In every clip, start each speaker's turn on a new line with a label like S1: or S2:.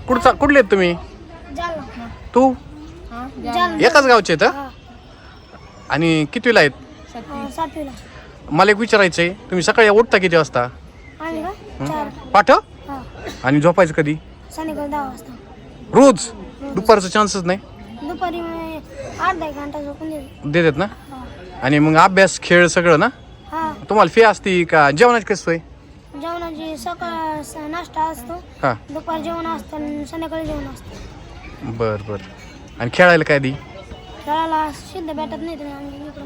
S1: कुठले आहेत तुम्ही?
S2: जालना.
S1: तू
S2: जालना.
S1: एकाच गावचे आहेत
S2: हा.
S1: आणि कितवीला आहेत?
S2: 7वीला.
S1: मला एक विचारायचं आहे, तुम्ही सकाळी उठता किती वाजता?
S2: आम्ही का 4.
S1: पाठ
S2: हा.
S1: आणि झोपायचं कधी?
S2: संध्याकाळी 10 वाजता.
S1: रोज? दुपारचा चान्सच नाही
S2: दुपारी अर्धा एक घंटा झोपून देते.
S1: देतात ना?
S2: हा.
S1: आणि मग अभ्यास खेळ सगळं ना?
S2: हा.
S1: तुम्हाला फी असती का? जेवणाची कशी सोय?
S2: जेवणाची सकाळ नाश्ता असतो,
S1: हां.
S2: दुपार जेवण असतं आणि संध्याकाळी जेवण असतं.
S1: बर बर. आणि खेळायला काय दी?
S2: खेळायला सिद्ध भेटत नाही तुम्ही आम्ही इकडे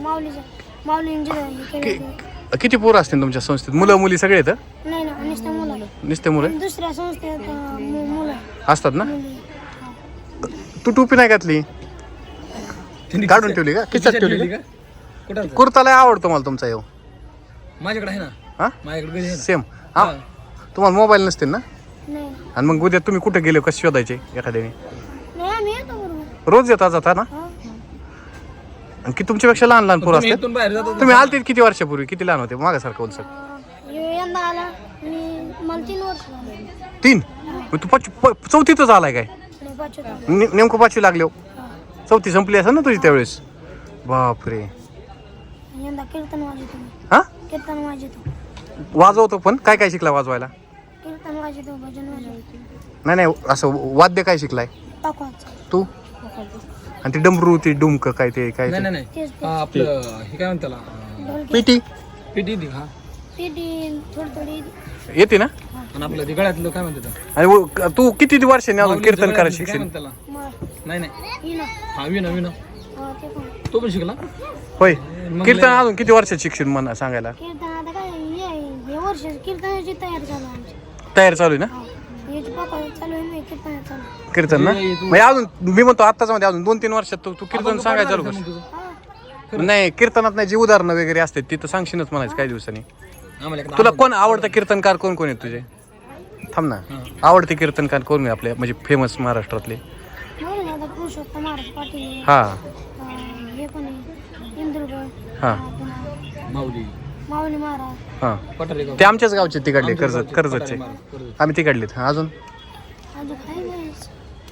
S2: माऊली
S1: किती पोरं असतील तुमच्या संस्थेत? मुलं मुली सगळे येतं?
S2: नाही ना, नुसतं मुलं.
S1: नुसते मुलं
S2: आणि दुसऱ्या संस्थेत मुलं
S1: असतात ना?
S2: मुली.
S1: तू टोपी नाही घातली? काढून ठेवली का? खिशात ठेवली का?
S3: कुठं
S1: कुर्ता लय आवडतो मला तुमचा येऊ.
S3: माझ्याकडे आहे ना.
S1: हा
S3: माझ्याकडे घरी आहे ना.
S1: सेम. हा तुम्हाला मोबाईल नसतील ना?
S2: नाही
S1: आणि मग उद्या तुम्ही कुठे गेले कसे शोधायचे एखाद्याने?
S2: नाही, आम्ही येतो बरोबर.
S1: रोज येता जाता ना?
S2: हा.
S1: आणि की तुमच्यापेक्षा लहान लहान पोरं
S3: तुम्ही
S1: असतात?
S3: इथून बाहेर जातो.
S1: तुम्ही आलते किती वर्षापूर्वी? किती लहान होते मागासारखं बोलसर?
S2: यंदा आला आणि मला 3 वर्ष झाले.
S1: 3? मग तू चौथीतच आलाय काय?
S2: आणि 5वीत आलो.
S1: नेमकं 5वी लागले हो.
S2: हा.
S1: चौथी संपली असेल ना तुझी त्यावेळेस? बापरे.
S2: यंदा कीर्तन वाजवतो मी.
S1: हा
S2: कीर्तन वाजवतो.
S1: वाजवतो पण काय काय शिकला वाजवायला?
S2: कीर्तन वाजवतो, भजन वाजवतो.
S1: नाही नाही, असं वाद्य काय शिकलाय
S2: टाकवाच.
S1: तू? आणि ती डमरू ती डुमक काय ते काय
S3: नाही
S1: ते?
S3: नाही नाही.
S2: तेच
S3: हा, आपलं हे काय म्हणतात त्याला?
S2: ढोलकी.
S1: पिटी
S3: पिटी ती. हा.
S2: पेटी थोडी थोडी.
S1: येते ना?
S3: आणि आपलं ते गळ्यातलं काय म्हणतात त्याला?
S1: आणि तू किती वर्षांनी अजून
S3: माऊलीचं
S1: कीर्तन
S3: गळ्यातलं
S1: करायला
S3: काय
S1: शिक्षण?
S3: म्हणतात त्याला?
S2: मग
S3: नाही नाही.
S2: येईना.
S3: हा विना विना.
S2: हा, ते पण.
S3: तो पण शिकला?
S1: होय.
S3: मग
S1: कीर्तन अजून किती वर्षात शिक्षण म्हणा सांगायला?
S2: कीर्तन आता काय हे वर्ष कीर्तनाची तयारी चालू आहे आमची.
S1: तयार चालू आहे ना?
S2: हा. याची पप्पा चालू आहे, मी कीर्तन चालू आहे.
S1: कीर्तन ना? म्हणजे अजून मी म्हणतो आत्ताच मध्ये अजून 2-3 वर्षात तू कीर्तन सांगायचं चालू कर.
S2: हा.
S1: नाही कीर्तनात नाही जी उदाहरणं वगैरे असतात तिथं सांगशीलच म्हणायचं काही दिवसांनी.
S3: आम्हाला एकदा
S1: तुला कोण आवडतं कीर्तनकार कोण कोण आहेत तुझे? थांब ना. आवडते कीर्तनकार कोण आहे आपल्या म्हणजे फेमस महाराष्ट्रातले?
S2: बरं आता पुरुषोत्तम महाराज पाटील आहे.
S1: हा
S2: हे पण आहे इंद्रगड.
S1: हा
S2: पुन्हा
S3: माऊली
S2: माऊली महाराज.
S1: हा.
S3: पठारे गाव.
S1: ते आमच्याच गावचे तिकडले कर्जतचे. आम्ही तिकडलेत. हा अजून
S2: अजून काय बरेच.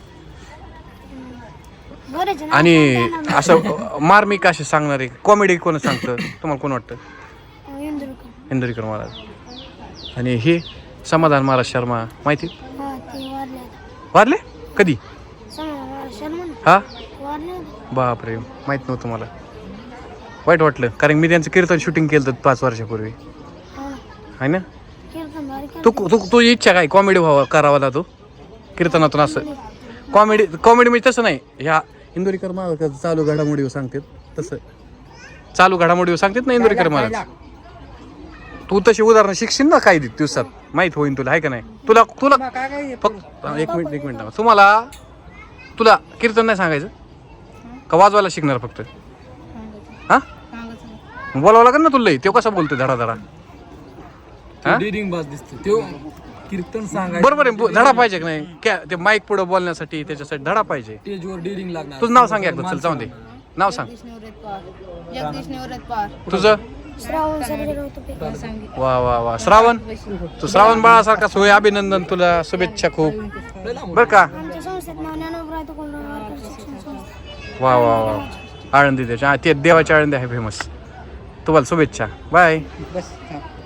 S2: बरेच ना.
S1: आणि असं मार्मिक असे सांगणारे कॉमेडी कोण सांगतं तुम्हाला कोण वाटतं?
S2: इंद्रगड.
S1: इंदुरीकर महाराज. आणि हे समाधान महाराज शर्मा माहिती?
S2: हा, ते वारले.
S1: वारले कधी?
S2: शर्मा
S1: हा
S2: वारले.
S1: बापरे माहित नव्हतं मला. वाईट वाटलं कारण मी त्यांचं कीर्तन शूटिंग केलं होतं 5 वर्षापूर्वी.
S2: हा.
S1: आहे ना?
S2: कीर्तन भारी
S1: तू तू तुझी इच्छा काय कॉमेडी व्हावं करावा ना तू कीर्तनातून असं? कॉमेडी म्हणजे तसं नाही. ह्या इंदुरीकर महाराज चालू घडामोडीवर सांगतात तसं. चालू घडामोडीवर सांगतात ना इंदुरीकर महाराज. तू तशी उदाहरणं शिकशील ना काही दिवसात माहित होईन तुला आहे का नाही? तुला फक्त एक मिनिट तुला कीर्तन नाही सांगायचं का वाजवायला शिकणार फक्त? हा बोलावं लागेल ना तुला. तो कसा बोलतोय धडा धडा?
S3: डिरिंग बाज दिसतो तो. कीर्तन सांगायचं
S1: बरोबर आहे. धडा पाहिजे की नाही? ते माईक पुढे बोलण्यासाठी त्याच्यासाठी धडा पाहिजे.
S3: स्टेजवर डिरिंग लागणार.
S1: तुझं नाव सांग एकदा. चल जाऊन दे नाव सांग
S4: जगदीश निवृत्त पवार.
S1: तुझं.
S2: श्रावण सर्जे गौतम.
S1: वा वा वा. श्रावण. तू श्रावण बाळासारखा सोय. अभिनंदन तुला. शुभेच्छा खूप बर का.
S2: आमच्या संस्थेत नाव ज्ञानोबराय तुकोंडकर शिक्षण संस्था.
S1: वा वा वा. आळंदी त्याच्या ते देवाची आळंदी आहे फेमस. तुम्हाला शुभेच्छा. बाय.